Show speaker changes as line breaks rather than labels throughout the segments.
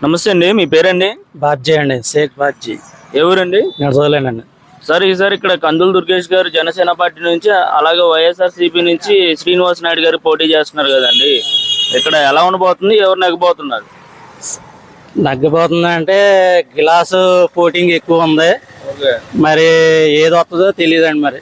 నమస్తే అండి, మీ పేరండి?
బాబ్జీ అండి, షేక్ బాబ్జీ.
ఏ ఊరండి?
నడచలేనండి.
సార్ ఈసారి ఇక్కడ కందుల దుర్గేష్ గారు జనసేన పార్టీ నుంచి, అలాగే వైఎస్ఆర్సీపీ నుంచి శ్రీనివాస్ నాయుడు గారు పోటీ చేస్తున్నారు కదండి. ఇక్కడ ఎలా ఉండబోతుంది, ఎవరు నెగ్గబోతున్నారు?
నగ్గబోతుంది అంటే గ్లాసు పోటింగ్ ఎక్కువ ఉంది. మరి ఏది వస్తుందో తెలియదండి. మరి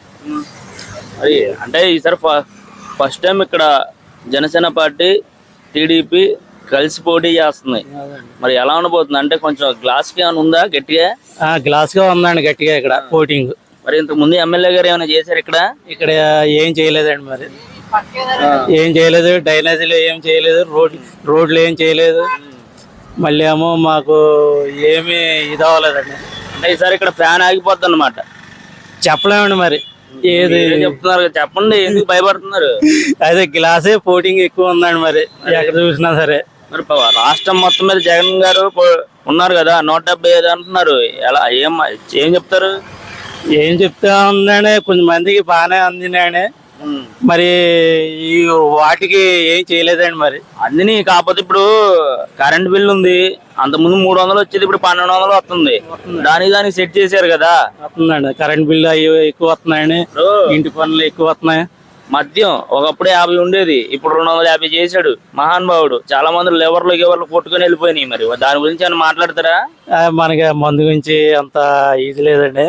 అంటే ఈసారి ఫస్ట్ టైం ఇక్కడ జనసేన పార్టీ టీడీపీ కలిసి పోటీ చేస్తున్నాయి. మరి ఎలా ఉండబోతుంది అంటే కొంచెం గ్లాస్ కి ఏమైనా ఉందా గట్టిగా?
గ్లాస్ గా ఉందండి గట్టిగా ఇక్కడ పోటింగ్.
మరి ఇంతకు ముందు ఎమ్మెల్యే గారు ఏమైనా చేశారు ఇక్కడ?
ఇక్కడ ఏం చేయలేదండి. మరి ఏం చేయలేదు, డ్రైనేజీలు ఏం చేయలేదు, రోడ్లు ఏం చేయలేదు. మళ్ళీ ఏమో మాకు ఏమి ఇది అవ్వలేదండి.
అంటే ఈసారి ఇక్కడ ఫ్యాన్ ఆగిపోద్ది అన్నమాట.
చెప్పలేమండి. మరి ఏది
చెప్తున్నారు, చెప్పండి, ఎందుకు భయపడుతున్నారు?
అదే గ్లాసే పోటింగ్ ఎక్కువ ఉందండి. మరి ఎక్కడ చూసినా సరే.
మరి రాష్ట్రం మొత్తం మీద జగన్ గారు ఉన్నారు కదా, 175 అంటున్నారు. ఎలా ఏం చెప్తారు?
ఏం చెప్తా ఉందండి, కొంతమందికి బాగానే అందినాయని. మరి ఈ వాటికి ఏం చేయలేదండి. మరి
అందిని కాకపోతే ఇప్పుడు కరెంట్ బిల్ ఉంది, అంతకుముందు 300 వచ్చేది, ఇప్పుడు 1200 వస్తుంది. దానికి సెట్ చేశారు కదా.
వస్తుందండి, కరెంట్ బిల్ అవి ఎక్కువ వస్తున్నాయని, ఇంటి పనులు ఎక్కువ వస్తున్నాయి.
మద్యం ఒకప్పుడే 50 ఉండేది, ఇప్పుడు 250 చేశాడు మహానుభావుడు. చాలా మంది లెవర్లు కొట్టుకుని వెళ్ళిపోయినాయి. మరి దాని గురించి ఏమైనా మాట్లాడతారా?
మనకి మందు గురించి అంత ఇది లేదండి.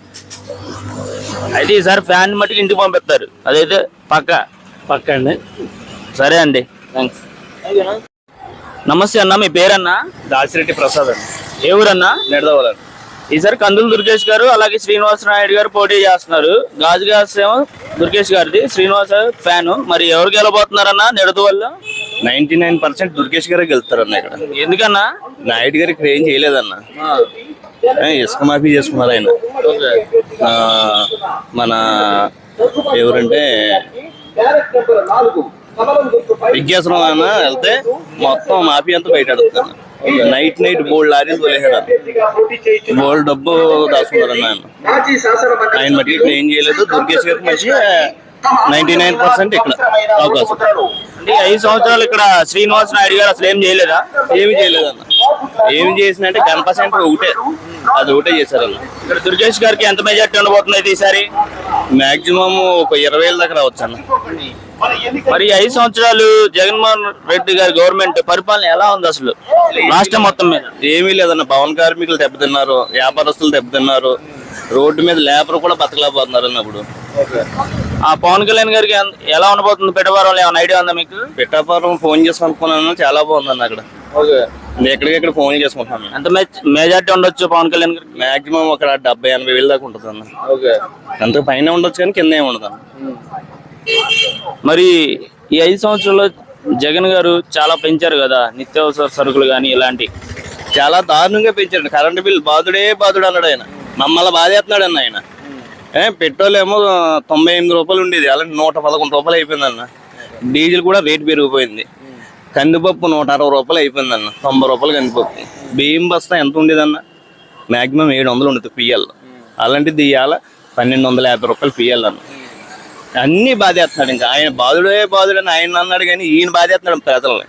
అయితే ఈసారి ఫ్యాన్ మట్టికి ఇంటికి పంపిస్తారు, అదైతే పక్క
అండి.
సరే అండి, థ్యాంక్స్. నమస్తే అన్న, మీ పేరన్నా?
దాసిరెడ్డి ప్రసాద్ అండి.
ఏ ఊరన్నా?
నెడదవలండి.
ఈసారి కందుల దుర్గేష్ గారు అలాగే శ్రీనివాస నాయుడు గారు పోటీ చేస్తున్నారు. గాజు గ్యాస్ ఏమో దుర్గేష్ గారిది, శ్రీనివాస ఫ్యాన్. మరి ఎవరు గెలబోతున్నారన్నా నెడదు వల్ల?
99% దుర్గేష్ గారే గెలుస్తారన్న. ఇక్కడ
ఎందుకన్నా?
నాయుడు గారు ఇక్కడ ఏం చేయలేదన్న. ఇసుక మాఫీ చేసుకున్నారు ఆయన. మన ఎవరంటే విజ్ఞాసనం అన్న వెళ్తే మొత్తం మాఫీ అంతా బయట అడుగుతాను. నైట్ బోల్డ్ లారీలు తోలేసారు, బోల్డ్ డబ్బు దాచుకున్నారన్న ఆయన మట్టి ఇక్కడ ఏం చేయలేదు. దుర్గేష్ గారికి మంచి 99% ఇక్కడ అవకాశం.
అంటే 5 సంవత్సరాలు ఇక్కడ శ్రీనివాస్ నాయుడు గారు అసలు ఏం చేయలేదా?
ఏమి చేయలేదన్న. ఏమి చేసినంటే గణప సెంటర్ అది ఒకటే చేశారన్న.
ఇక్కడ దుర్గేష్ గారికి ఎంత మెజార్టీ ఉండబోతుంది అయితే ఈసారి?
మాక్సిమం ఒక 20,000 దాకా రావచ్చు అన్న.
మరి 5 సంవత్సరాలు జగన్మోహన్ రెడ్డి గారి గవర్నమెంట్ పరిపాలన ఎలా ఉంది అసలు రాష్ట్రం మొత్తం మీద?
ఏమీ లేదన్న. భవన కార్మికులు దెబ్బతిన్నారు, వ్యాపారస్తులు దెబ్బతిన్నారు, రోడ్డు మీద లేబర్ కూడా బతకలేకపోతున్నారు అన్నప్పుడు.
ఆ పవన్ కళ్యాణ్ గారికి ఎలా ఉండబోతుంది పిఠాపురం? ఏమైనా ఐడియా ఉందా మీకు?
పిఠాపురం ఫోన్ చేసి అనుకున్నాను, చాలా బాగుందన్న. అక్కడ ఎక్కడికెక్కడ ఫోన్ చేసుకుంటున్నాను.
ఎంత మెజార్టీ ఉండొచ్చు పవన్ కళ్యాణ్ గారికి?
మాక్సిమం ఒక 70-80 వేలు దాకా ఉంటుంది అన్న. అంత పైన ఉండొచ్చు కానీ కింద ఏమి ఉండదు.
మరి ఈ 5 సంవత్సరాల్లో జగన్ గారు చాలా పెంచారు కదా, నిత్యావసర సరుకులు కానీ ఇలాంటి
చాలా దారుణంగా పెంచాడు. కరెంటు బిల్ బాధుడే బాధుడు అన్నాడు ఆయన. మమ్మల్ని బాధేస్తున్నాడు అన్న ఆయన. పెట్రోల్ ఏమో 98 రూపాయలు ఉండేది, అలాంటి 111 రూపాయలు అయిపోయిందన్న. డీజిల్ కూడా రేట్ పెరిగిపోయింది. కందిపప్పు 160 రూపాయలు అయిపోయిందన్న, 90 రూపాయలు కందిపప్పు. బియ్యం బస్తా ఎంత ఉండేదన్న? మాక్సిమం 700 ఉండదు పిఎల్. అలాంటిది ఇవాళ 1250 రూపాయలు పిఎల్ అన్న. అన్ని బాధేస్తున్నాడు. ఇంకా ఆయన బాధుడే బాధుడని ఆయన అన్నాడు కానీ ఈయన బాధేస్తున్నాడు ప్రజల్ని.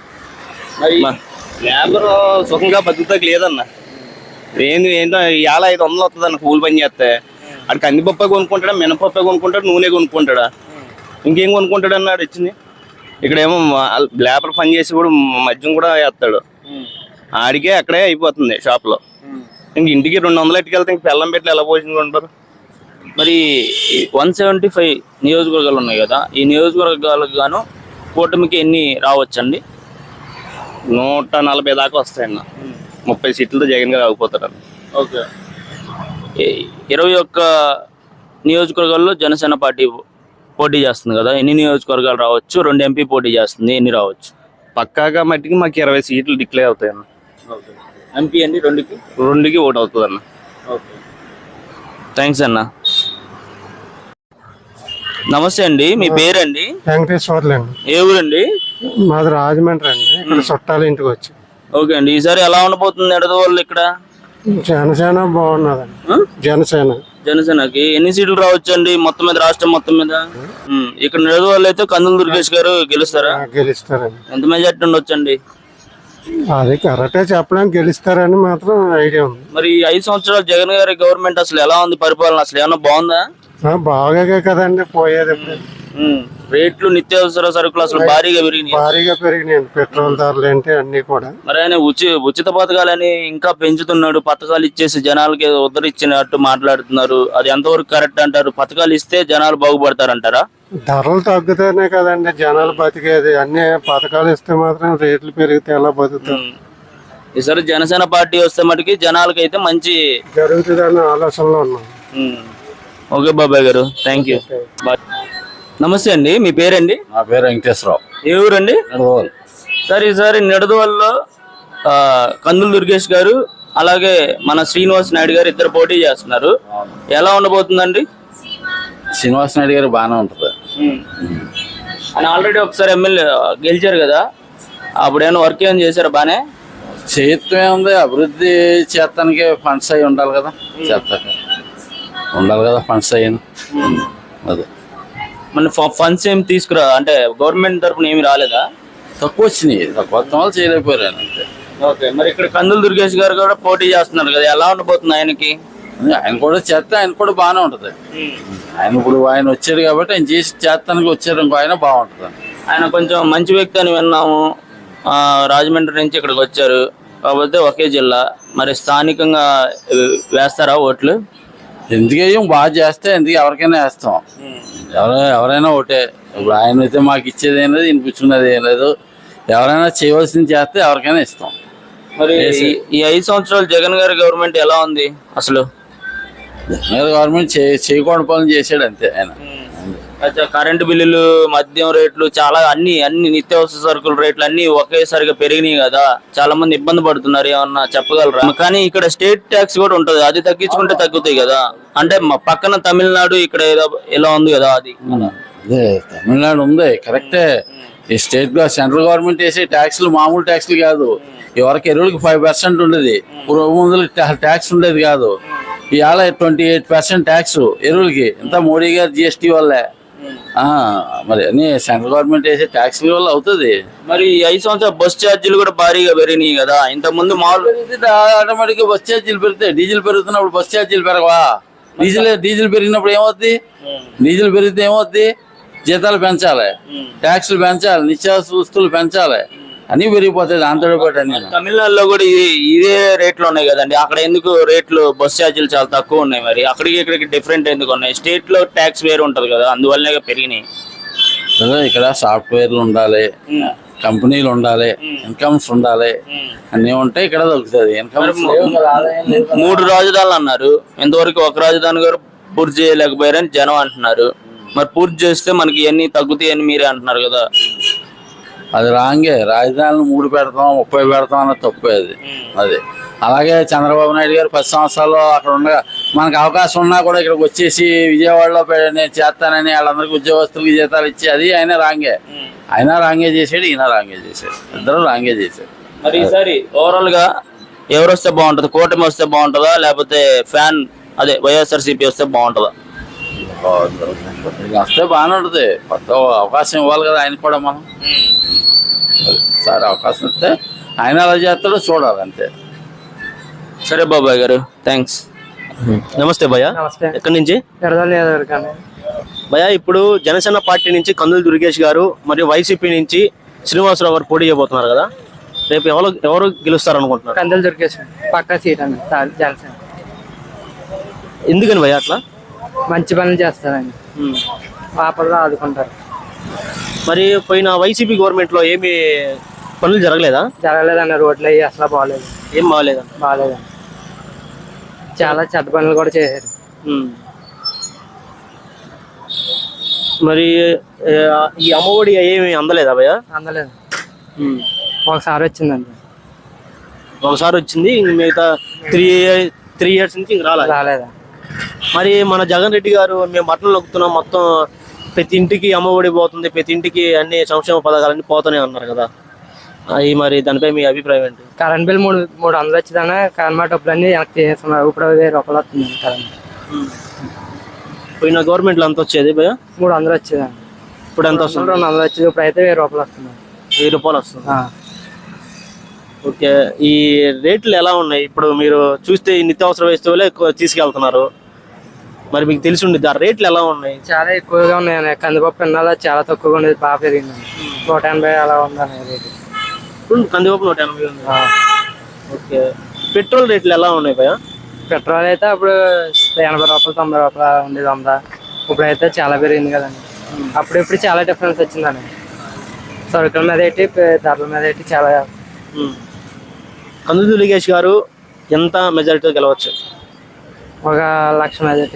లేబర్ సుఖంగా బతుకుతాకి లేదన్న. ఏంటో ఇవాళ 500 వస్తుంది అన్న కూలి పని చేస్తే. అక్కడ కందిపప్పే కొనుక్కుంటాడా, మినపప్పే కొనుక్కుంటాడు, నూనె కొనుక్కుంటాడా, ఇంకేం కొనుక్కుంటాడు అన్నాడు ఇచ్చింది. ఇక్కడేమో లేబర్ పని చేసి కూడా మద్యం కూడా వేస్తాడు. ఆడికే అక్కడే అయిపోతుంది షాప్లో. ఇంక ఇంటికి 200 ఎట్టుకెళ్తే ఇంక బెల్లం పెట్టి ఎలా పోషించుకుంటారు?
మరి 175 నియోజకవర్గాలు ఉన్నాయి కదా, ఈ నియోజకవర్గాలకు గాను కూటమికి ఎన్ని రావచ్చండి?
140 దాకా వస్తాయన్న. 30 సీట్లతో జగన్ గారు ఆగిపోతారన్న.
ఓకే. 21 నియోజకవర్గాల్లో జనసేన పార్టీ పోటీ చేస్తుంది కదా, ఎన్ని నియోజకవర్గాలు రావచ్చు? 2 ఎంపీ పోటీ చేస్తుంది, ఎన్ని రావచ్చు?
పక్కాగా మట్టికి మాకు 20 సీట్లు డిక్లేర్ అవుతాయన్న.
ఎంపీ అండి
2కి ఓటు అవుతుంది అన్న.
ఓకే, థ్యాంక్స్ అన్న. నమస్తే అండి, మీ పేరండి?
వెంకటేశ్వర్లు అండి.
ఏ ఊరండి?
మాది రాజమండ్రి అండి. ఇక్కడ చుట్టాలు ఇంటికి వచ్చి.
ఓకే అండి, ఈసారి ఎలా ఉండబోతుంది ఎడద వాళ్ళు ఇక్కడ?
జనసేన బాగున్నదండి.
జనసేనకి ఎన్ని సీట్లు రావచ్చు అండి మొత్తం మీద, రాష్ట్రం మొత్తం మీద? ఇక్కడ నెడద వాళ్ళు అయితే కందుల దుర్గేష్ గారు గెలుస్తారా?
గెలుస్తారండి.
ఎంత మెజార్టీ ఉండొచ్చు అండి?
అది కరెక్టే చెప్పడానికి గెలుస్తారని మాత్రం ఐడియా ఉంది.
మరి ఈ 5 సంవత్సరాలు జగన్ గారి గవర్నమెంట్ అసలు ఎలా ఉంది పరిపాలన, అసలు ఏమన్నా బాగుందా?
బాగా కదండి పోయేది.
రేట్లు నిత్యావసర సరుకులు అసలు భారీగా పెరిగినాయి.
భారీగా పెరిగినాయండి పెట్రోల్ ధరలు ఏంటి అన్ని కూడా.
మరి ఆయన ఉచిత పథకాలని ఇంకా పెంచుతున్నాడు, పథకాలు ఇచ్చేసి జనాలకి ఉద్ధరించినట్టు మాట్లాడుతున్నారు. అది ఎంతవరకు కరెక్ట్ అంటారు? పథకాలు ఇస్తే జనాలు బాగుపడతారంటారా?
ధరలు తగ్గుతానే కదండి జనాలు బతికేది. అన్ని పథకాలు ఇస్తే మాత్రం రేట్లు పెరిగితే ఎలా బతుకుతారు?
ఈసారి జనసేన పార్టీ వస్తే మటుకి జనాలకి అయితే మంచి
జరుగుతుందన్న ఆలోచనలో ఉన్నాం.
ఓకే బాబాయ్ గారు, థ్యాంక్ యూ. నమస్తే అండి, మీ పేరండి?
నా పేరు వెంకటేశ్వరరావు.
ఏ ఊరండి?
నడవల్.
సార్ ఈసారి నిడదవల్లో కందుల దుర్గేష్ గారు అలాగే మన శ్రీనివాస్ నాయుడు గారు ఇద్దరు పోటీ చేస్తున్నారు. ఎలా ఉండబోతుందండి?
శ్రీనివాస్ నాయుడు గారు బాగానే ఉంటుంది.
ఆయన ఆల్రెడీ ఒకసారి ఎమ్మెల్యే గెలిచారు కదా, అప్పుడు ఏమైనా వర్క్ ఏమైనా చేశారు? బానే
చేత్వే ఉంది. అభివృద్ధి చేస్తానికి ఫండ్స్ అయి ఉండాలి కదా, చేస్తాక ఉండాలి కదా ఫండ్స్ అయ్యాను. అదే
మన ఫండ్స్ ఏమి తీసుకురా అంటే గవర్నమెంట్ తరఫున ఏమి రాలేదా?
తక్కువ వచ్చినాయి, తక్కువ వాళ్ళు చేయలేకపోయారు అంతే.
ఓకే, మరి ఇక్కడ కందుల దుర్గేష్ గారు కూడా పోటీ చేస్తున్నారు కదా, ఎలా ఉండబోతుంది ఆయనకి?
ఆయన కూడా చేస్తే ఆయన కూడా బాగానే ఉంటుంది. ఆయన ఇప్పుడు ఆయన వచ్చారు కాబట్టి ఆయన చేసి చేస్తానికి వచ్చారు, ఇంకో ఆయన బాగుంటుంది.
ఆయన కొంచెం మంచి వ్యక్తి అని విన్నాము. రాజమండ్రి నుంచి ఇక్కడికి వచ్చారు కాకపోతే ఒకే జిల్లా. మరి స్థానికంగా వేస్తారా ఓట్లు?
ఎందుకేం బాగా చేస్తే ఎందుకు ఎవరికైనా వేస్తాం. ఎవరైనా ఒకటే. ఇప్పుడు ఆయన అయితే మాకు ఇచ్చేది ఏం లేదు, వినిపించుకునేది ఏం లేదు. ఎవరైనా చేయవలసింది చేస్తే ఎవరికైనా ఇస్తాం.
మరి ఈ 5 సంవత్సరాలు జగన్ గారి గవర్నమెంట్ ఎలా ఉంది అసలు?
గవర్నమెంట్ చేయకూడని పనులు చేసాడు అంతే ఆయన.
కరెంటు బిల్లులు, మద్యం రేట్లు, చాలా అన్ని నిత్యావసర సరుకుల రేట్లు అన్ని ఒకేసారిగా పెరిగినాయి కదా, చాలా మంది ఇబ్బంది పడుతున్నారు. ఏమన్నా చెప్పగలరా? కానీ ఇక్కడ స్టేట్ ట్యాక్స్ కూడా ఉంటది, అది తగ్గించుకుంటే తగ్గుతాయి కదా. అంటే మా పక్కన తమిళనాడు, ఇక్కడ ఎలా ఉంది కదా అది.
అదే తమిళనాడు ఉంది కరెక్టే. ఈ స్టేట్ సెంట్రల్ గవర్నమెంట్ వేసే ట్యాక్స్లు మామూలు ట్యాక్స్లు కాదు. ఎవరికి ఎరువులకి 5% ఉండేది, ముందులకి ట్యాక్స్ ఉండేది కాదు. ఇవాళ 28% ట్యాక్స్ ఎరువులకి. ఇంత మోడీ గారు GST వల్లే. మరి అన్ని సెంట్రల్ గవర్నమెంట్ వేసే ట్యాక్స్ల వల్ల అవుతుంది.
మరి 5 సంవత్సరాలు బస్ ఛార్జీలు కూడా భారీగా పెరిగినాయి కదా. ఇంత ముందు మామూలు
ఆటోమేటిక్ గా బస్ ఛార్జీలు పెరుగుతాయి. డీజిల్ పెరుగుతున్నప్పుడు బస్ ఛార్జీలు పెరగవా? డీజిల్ పెరిగినప్పుడు ఏమవుద్ది? డీజిల్ పెరిగితే ఏమవుద్ది? జీతాలు పెంచాలి, ట్యాక్సులు పెంచాలి, నిత్యావసర వస్తువులు పెంచాలి, అన్ని పెరిగిపోతాయి. దాంతో పాటు అన్ని.
తమిళనాడులో కూడా ఇదే రేట్లు ఉన్నాయి కదండి. అక్కడ ఎందుకు రేట్లు బస్ ఛార్జీలు చాలా తక్కువ ఉన్నాయి? మరి అక్కడికి ఇక్కడికి డిఫరెంట్ ఎందుకు ఉన్నాయి? స్టేట్ లో ట్యాక్స్ వేరు ఉంటది కదా, అందువల్లనే పెరిగినాయి.
ఇక్కడ సాఫ్ట్వేర్లు ఉండాలి, కంపెనీలు ఉండాలి, ఇన్కమ్స్ ఉండాలి, అన్ని ఉంటాయి. ఇక్కడ దొరుకుతుంది ఇన్కమ్స్.
3 రాజధానులు అన్నారు, ఇంతవరకు ఒక రాజధాని గారు పూర్తి చేయలేకపోయారని జనం అంటున్నారు. మరి పూర్తి చేస్తే మనకి ఇవన్నీ తగ్గుతాయని మీరే అంటున్నారు కదా.
అది రాంగే. రాజధానులు 3 పెడతాం, 30 పెడతాం అన్నది తప్పే అది. అది అలాగే చంద్రబాబు నాయుడు గారు 10 సంవత్సరాలు అక్కడ ఉండగా మనకు అవకాశం ఉన్నా కూడా ఇక్కడికి వచ్చేసి విజయవాడలో నేను చేస్తానని వాళ్ళందరికీ ఉద్యోగస్తులకి జీతాలు ఇచ్చి అది ఆయన రాంగే చేసాడు, ఈయన రాంగే చేశాడు, ఇద్దరు రాంగే చేశాడు.
మరి ఈసారి ఓవరాల్ గా ఎవరు వస్తే బాగుంటది? కూటమి వస్తే బాగుంటుందా, లేకపోతే వైఎస్ఆర్సీపీ వస్తే బాగుంటుందా?
వస్తే బాగానే ఉంటుంది. కొత్త అవకాశం ఇవ్వాలి కదా ఆయన కూడా. మనం సరే అవకాశం ఇస్తే ఆయన ఎలా చేస్తాడో చూడాలి అంతే.
సరే బాబాయ్ గారు, థ్యాంక్స్. నమస్తే భయ్యా.
నమస్తే.
ఎక్కడి నుంచి? భయ్యా, ఇప్పుడు జనసేన పార్టీ నుంచి కందుల దుర్గేష్ గారు మరియు వైసీపీ నుంచి శ్రీనివాసరావు గారు పోటీ చేయబోతున్నారు కదా, రేపు ఎవరు గెలుస్తారు అనుకుంటున్నారు?
కందుల దుర్గేష్ పక్కా సీట్ అండి జనసేన.
ఎందుకని భయ్యా అట్లా?
మంచి పనులు చేస్తారండి, పాపల్లో ఆదుకుంటారు.
మరి పోయిన వైసీపీ గవర్నమెంట్ లో ఏమి పనులు
జరగలేదండి. రోడ్లు అయ్యి అసలు బాగలేదు.
ఏం బాగలేదండి.
చాలా చెత్త పనులు కూడా చేశారు.
మరి ఈ అమ్మఒడి ఏమి అందలేదా భయ్యా?
అందలేదు. ఒకసారి వచ్చిందండి.
ఒకసారి వచ్చింది, మిగతా 3 years నుంచి ఇంక
రాలేదా?
మరి మన జగన్ రెడ్డి గారు మేము బట్టలు నొక్కుతున్నాం, మొత్తం ప్రతి ఇంటికి అమ్మఒడి పోతుంది, ప్రతి ఇంటికి అన్ని సంక్షేమ పథకాలన్నీ పోతూనే అన్నారు కదా, అవి మరి దానిపై మీ అభిప్రాయం ఏంటి?
కరెంట్ బిల్ 300 వచ్చిందనే కరెంట్ డబ్బులన్నీ వెనక్కి తీసేస్తున్నారు. ఇప్పుడు 1000 రూపాయలు వస్తుంది కరెంట్.
పోయిన గవర్నమెంట్లో ఎంత వచ్చేది భయ్యా?
300 వచ్చేదండి.
ఇప్పుడు ఎంత వస్తుంది?
200 వచ్చేది. ఇప్పుడు అయితే 1000 రూపాయలు వస్తుంది.
1000 రూపాయలు వస్తుంది.
ఓకే, ఈ రేట్లు ఎలా ఉన్నాయి? ఇప్పుడు మీరు చూస్తే ఈ నిత్యావసర వస్తువులే ఎక్కువ తీసుకెళ్తున్నారు, మరి మీకు తెలిసి ఉండేది ఆ రేట్లు ఎలా ఉన్నాయి?
చాలా ఎక్కువగా ఉన్నాయన్న. కందిపప్పు ఇన్నాళ్ళ చాలా తక్కువగా ఉండేది, బాగా పెరిగిందండి. 180 అలా ఉందన్న రేటు.
ఇప్పుడు కందిపప్పు 180 ఉంది. ఓకే, పెట్రోల్ రేట్లు ఎలా ఉన్నాయి భయ్యా?
పెట్రోల్ అయితే అప్పుడు 80 రూపాయలు 90 రూపాయలు ఉండేది 100. ఇప్పుడైతే చాలా పెరిగింది కదండి. అప్పుడు చాలా డిఫరెన్స్ వచ్చిందండి. సరుకుల మీద ఏంటి, ధరల మీద ఏంటి చాలా.
కందులు దుర్గేష్ గారు ఎంత మెజారిటీతో గెలవచ్చు?
1,00,000 majority,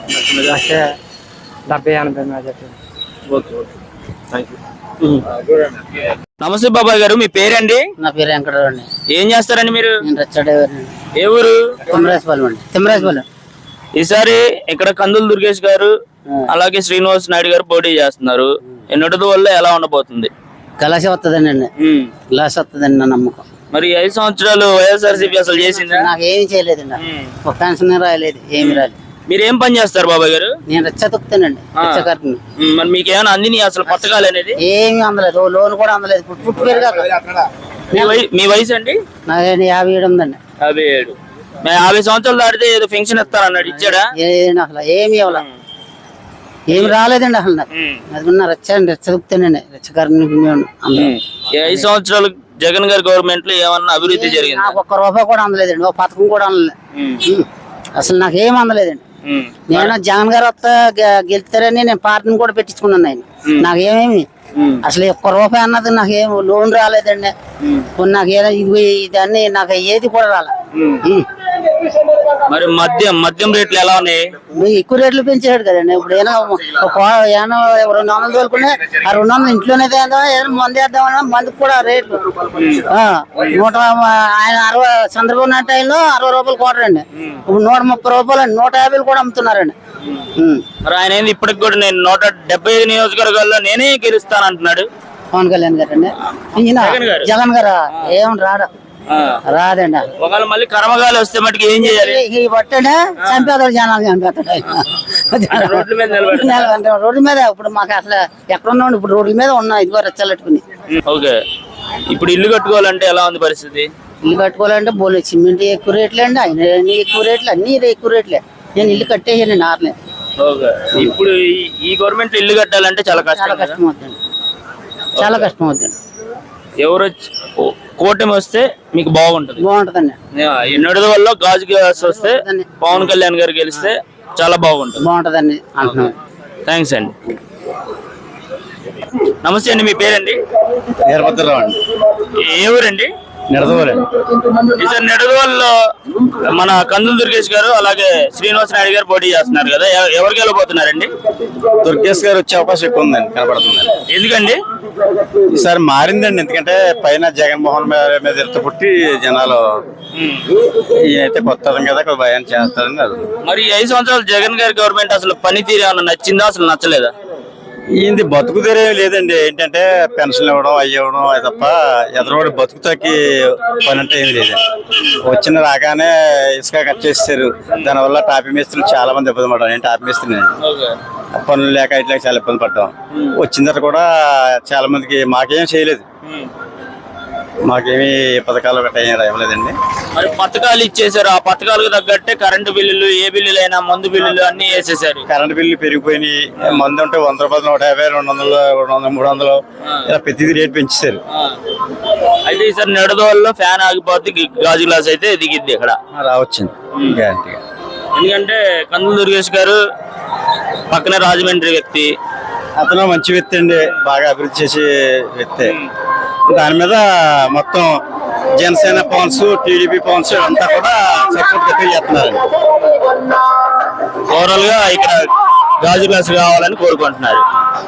1,70,80 majority.
Okay okay, thank you.
నమస్తే బాబాయ్ గారు, మీ పేరండి?
నా పేరు వెంకటరావు అండి.
ఏం చేస్తారండి మీరు?
నేను రచ్చడేవారిని.
ఏ ఊరు?
తిమ్మరాజపాలెం అండి. తిమ్మరాజపాలెం.
ఈసారి ఇక్కడ కందులు దుర్గేష్ గారు అలాగే శ్రీనివాస్ నాయుడు గారు పోటీ చేస్తున్నారు. ఎన్నటి వల్ల ఎలా ఉండబోతుంది?
కళాశ వస్తుందండి, గ్లాస్ వస్తుందండి నా నమ్మకం.
మరి 5 సంవత్సరాలు వైఎస్ఆర్సీపీ అసలు చేసిందా?
నాకు ఏమి చేయలేదండి, ఒక పెన్షన్ రాయలేదు, ఏమి రాలేదు.
మీరు ఏం పని చేస్తారు బాబాయ్ గారు?
నేను రచ్చ తొక్కుతానండి, రచ్చ కట్టిన.
మరి మీకు ఏమైనా అందిని అసలు పథకాలు అనేది?
ఏమి అందలేదు, లోన్ కూడా అందలేదు. పుట్టు పెరిగాక
మీ వయసు అండి?
నాకు 57 ఉందండి.
57. 50 సంవత్సరాలు దాటితే ఏదో పెన్షన్ ఇస్తారన్నాడు, ఇచ్చాడా?
ఏదండి అసలు ఏమి ఇవ్వాల, ఏమి రాలేదండి అసలు. నాకు అది ఉన్న రచ్చ అండి, రచ్చ తొక్కుతానండి, రచ్చకారిని.
5 సంవత్సరాలు జగన్ గారి గవర్నమెంట్ లో ఏమన్నా అభివృద్ధి జరిగింది?
నాకు 1 రూపాయి కూడా అందలేదండి, ఒక పథకం కూడా అందలేదు అసలు. నాకు ఏం అందలేదండి. నేను జగన్ గారు వస్తా గెలుస్తారని నేను పార్టీని కూడా పెట్టించుకున్నాను. ఆయన నాకు ఏమేమి అసలు 1 రూపాయి అన్నది నాకు ఏం లోన్ రాలేదండి. నాకేదో ఇదన్నీ నాకు ఏది కూడా రాలే.
మరి మద్యం రేట్లు ఎలా ఉన్నాయి?
ఎక్కువ రేట్లు పెంచాడు కదండి. ఇప్పుడు ఏదో 200 తోలుకునే ఆ 200 ఇంట్లోనే మందు వేద్దామన్నా మందుకు కూడా రేట్లు. ఆయన 60 చంద్రబాబు నాయుడు టైంలో 60 రూపాయలు కోటరండి, ఇప్పుడు 130 రూపాయలు అండి, 150 కూడా అమ్ముతున్నారండి.
మరి ఆయన ఏంది ఇప్పటికి కూడా నేను 175 నియోజకవర్గాల్లో నేనే గెలుస్తాను అంటున్నాడు.
పవన్ కళ్యాణ్ గారు అండి. జగన్ గారు ఏం రాదండి.
ఒకవేళ మళ్ళీ కర్మగాలి వస్తే మటుకు ఏం చేయాలి?
ఈ బట్టండి చంపేతాడు, జనాలు చంపేతాడు. రోడ్డు మీద ఇప్పుడు మాకు అసలు ఎక్కడ ఉన్నాం, ఇప్పుడు రోడ్ల మీద ఉన్నాం. ఇదిగో రెచ్చలెట్టుకుని.
ఓకే, ఇప్పుడు ఇల్లు కట్టుకోవాలంటే ఎలా ఉంది పరిస్థితి?
ఇల్లు కట్టుకోవాలంటే బోలే సిమెంట్ ఎక్కువ రేట్లే అండి, ఆయన ఎక్కువ రేట్లు, అన్ని ఎక్కువ రేట్లే. నేను ఇల్లు కట్టేసాను నార్లే.
ఓకే, ఇప్పుడు ఈ గవర్నమెంట్ ఇల్లు కట్టాలంటే చాలా కష్టం
అవుతుంది, చాలా కష్టం అవుతుంది.
ఎవరు కూటమి వస్తే మీకు బాగుంటది?
బాగుంటదండి.
ఎన్నడది వల్ల గాజు గ్లాస్ వస్తే పవన్ కళ్యాణ్ గారు గెలిస్తే చాలా బాగుంటుంది.
బాగుంటదండి అంటున్నాను.
థ్యాంక్స్ అండి. నమస్తే అండి, మీ పేరండి?
వీరభద్రరావు అండి.
ఏ ఊరండి?
నిడదవోలు.
ఈసారి నిడదవోలులో మన కందులు దుర్గేష్ గారు అలాగే శ్రీనివాస్ నాయుడు గారు పోటీ చేస్తున్నారు కదా, ఎవరికి వెళ్ళబోతున్నారండి?
దుర్గేష్ గారు వచ్చే అవకాశం ఎక్కువ ఉందండి, కనపడుతుంది.
ఎందుకండి?
ఈసారి మారిందండి, ఎందుకంటే పైన జగన్మోహన్ మీద ఎత్త పుట్టి జనాలు ఈయనైతే కొత్త కదా కొద్ది భయాన్ని చేస్తారని.
మరి 5 సంవత్సరాలు జగన్ గారి గవర్నమెంట్ అసలు పనితీరు ఏమన్నా నచ్చిందా, అసలు నచ్చలేదా?
ఈయనది బతుకు తెరేం లేదండి. ఏంటంటే పెన్షన్లు ఇవ్వడం అవి ఇవ్వడం అది తప్ప ఎదరోడు బతుకుతాకి పని అంటే ఏమి లేదండి. వచ్చిన రాగానే ఇసుక కట్ చేస్తారు, దానివల్ల టాపీ మేస్త్రులు చాలా మంది ఇబ్బంది పడ్డాం. నేను టాపీ మేస్త్రిని, పనులు లేక ఇట్లా చాలా ఇబ్బంది పడ్డాం. వచ్చిన తర్వాత కూడా చాలా మందికి మాకేం చేయలేదు, మాకేమీ పథకాలు గట్రా ఏం రాయలేదండి.
మరి పథకాలు ఇచ్చేసారు, ఆ పథకాలకు తగ్గట్టే కరెంటు బిల్లులు, ఏ బిల్లులు అయినా మందు బిల్లులు అన్ని వేసేసారు.
కరెంటు బిల్లు పెరిగిపోయినాయి. మందు ఉంటే 100 రూపాయలు, 150, 200, 200, 300 ఇలా ప్రతిదీ రేటు పెంచేశారు.
అయితే ఈసారి నిడదవోలులో ఫ్యాన్ ఆగిపోద్ది, గాజు గ్లాస్ అయితే దిగిద్ది ఇక్కడ
రావచ్చింది గ్యారంటీగా.
ఎందుకంటే కందులు దుర్గేష్ గారు పక్కనే రాజమండ్రి వ్యక్తి,
అతను మంచి వ్యక్తి అండి, బాగా అభివృద్ధి చేసే వ్యక్తి. దాని మీద మొత్తం జనసేన పవన్స్, టీడీపీ పవన్స్ అంతా కూడా సపోర్ట్ చేస్తున్నారు.
ఓవరాల్ గా ఇక్కడ గాజు గ్లాస్ కావాలని కోరుకుంటున్నారు.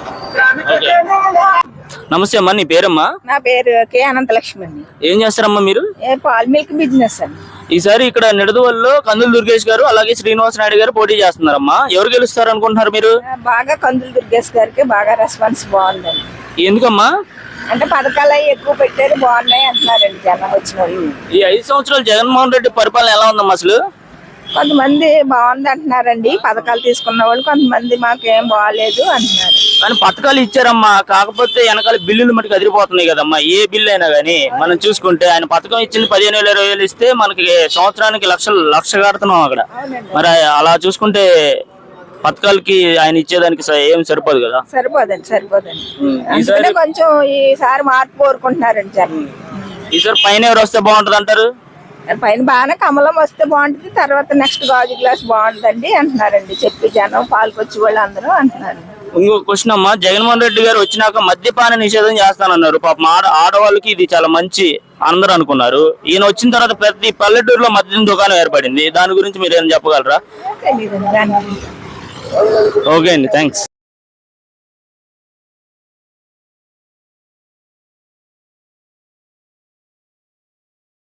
నమస్తే అమ్మా, నీ పేరమ్మా?
నా పేరు కే అనంతలక్ష్మి అండి.
ఏం చేస్తారమ్మా మీరు?
పాల్ మిల్క్ బిజినెస్ అండి.
ఈసారి ఇక్కడ నిడదవోలులో కందులు దుర్గేష్ గారు అలాగే శ్రీనివాస్ నాయుడు గారు పోటీ చేస్తున్నారమ్మా. ఎవరు గెలుస్తారు అనుకుంటున్నారు మీరు?
బాగా కందులు దుర్గేష్ గారికి బాగా రెస్పాన్స్ బాగుందండి.
ఎందుకమ్మా?
అంటే పథకాలు అవి ఎక్కువ పెట్టారు, బాగున్నాయి అంటున్నారండి జనం వచ్చిన వాళ్ళు.
ఈ 5 సంవత్సరాలు జగన్మోహన్ రెడ్డి పరిపాలన ఎలా ఉందమ్మా అసలు?
కొంతమంది బాగుంది అంటున్నారండి, పథకాలు తీసుకున్న వాళ్ళు. కొంతమంది మాకేం బాగాలేదు అంటున్నారు.
కానీ పథకాలు ఇచ్చారమ్మా, కాకపోతే వెనకాల బిల్లులు మటుకు అదిరిపోతున్నాయి కదమ్మా. ఏ బిల్లు అయినా కానీ మనం చూసుకుంటే ఆయన పథకం ఇచ్చింది 15,000 20,000 ఇస్తే మనకి సంవత్సరానికి లక్ష కడుతున్నాం అక్కడ. మరి అలా చూసుకుంటే పథకాలకి ఆయన ఇచ్చేదానికి ఏం సరిపోదు కదా.
సరిపోదండి అందుకనే కొంచెం ఈసారి మార్పు కోరుకుంటున్నారండి జనం.
ఈసారి పైన ఎవరు వస్తే బాగుంటది అంటారు?
పైన బాగానే కమలం వస్తే బాగుంటుంది, తర్వాత నెక్స్ట్ గాజు గ్లాస్ బాగుంటుందండి అంటున్నారండి. చెప్పి జనం పాల్గొచ్చి వాళ్ళు అందరూ అంటున్నారు.
ఇంకో క్వశ్చన్ అమ్మా, జగన్మోహన్ రెడ్డి గారు వచ్చినాక మద్యపాన నిషేధం చేస్తానన్నారు. పాపం ఆడవాళ్ళకి ఇది చాలా మంచి అందరూ అనుకున్నారు. ఈయన వచ్చిన తర్వాత ప్రతి పల్లెటూరులో మద్యం దుకాణం ఏర్పడింది. దాని గురించి మీరు ఏం చెప్పగలరా?
తెలీదండి దాని గురించి.
ఓకే అండి, థ్యాంక్స్.